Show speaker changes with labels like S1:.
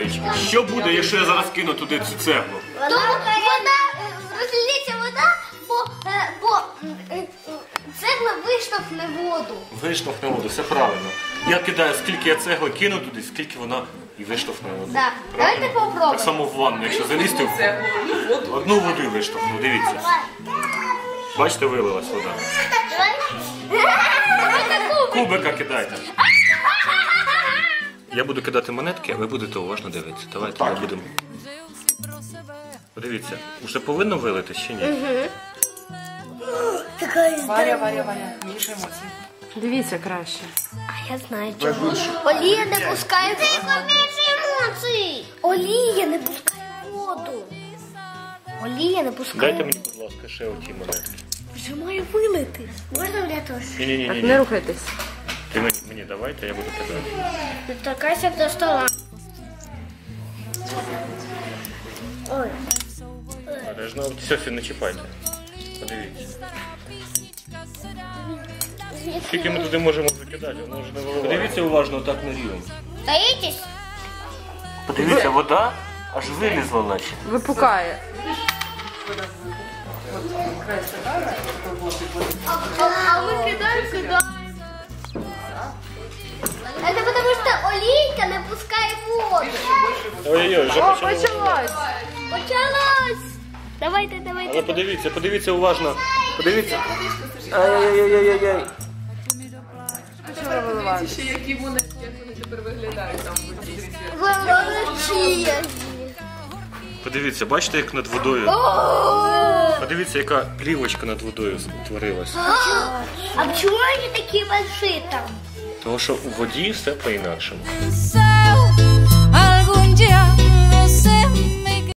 S1: Сонечко, що буде, якщо я зараз кину туди цю цеглу?
S2: Розліється вода, бо цегла виштовхне воду.
S1: Виштовхне воду, все правильно. Я кидаю, скільки я цегли кину туди, скільки вона і виштовхне воду.
S2: Так. Давайте попробуємо.
S1: Так само в ванну, якщо залізти в одну воду і виштовхну, дивіться. Бачите, вилилась вода. Кубика кидайте. Я буду кидати монетки, а ви будете уважно дивитися. Давайте ми будемо. Подивіться, вже повинно вилитись чи ні?
S3: Варя, більше емоцій.
S4: Дивіться краще.
S2: А я знаю чому. Олія не пускає емоцій. Олія не пускає воду. Олія не пускає.
S1: Дайте мені, будь ласка, ще оті монетки.
S2: Вже має вилити. Можна мені теж?
S4: Так,
S1: Ні-ні-ні.
S4: не рухайтесь.
S1: Ти мені давайте, я буду кидати.
S2: Доторкайся до стола. Ой.
S1: Бережно, все, не чіпайте. Подивіться. Скільки ми туди можемо закидати, воно вже не виливає. Подивіться уважно так на рівень.
S2: Стоїтесь?
S1: Подивіться, вода аж вилізла наче.
S4: Випукає.
S2: А ми кидаємо. Це тому, що олійка не пускає воду.
S1: Ой-ой-ой, вже
S4: О,
S1: почало.
S4: почалось.
S2: Почалось. Давайте.
S1: Але подивіться уважно. Подивіться. Ай-яй-яй-яй-яй.
S4: Почало виливати.
S3: Ще які вони тепер виглядають там.
S2: Волочія.
S1: Подивіться, бачите, як над водою? Подивіться, яка плівочка над водою утворилась.
S2: А чому вони такі больші там?
S1: Тому що у воді все по-інакшому.
S5: Inside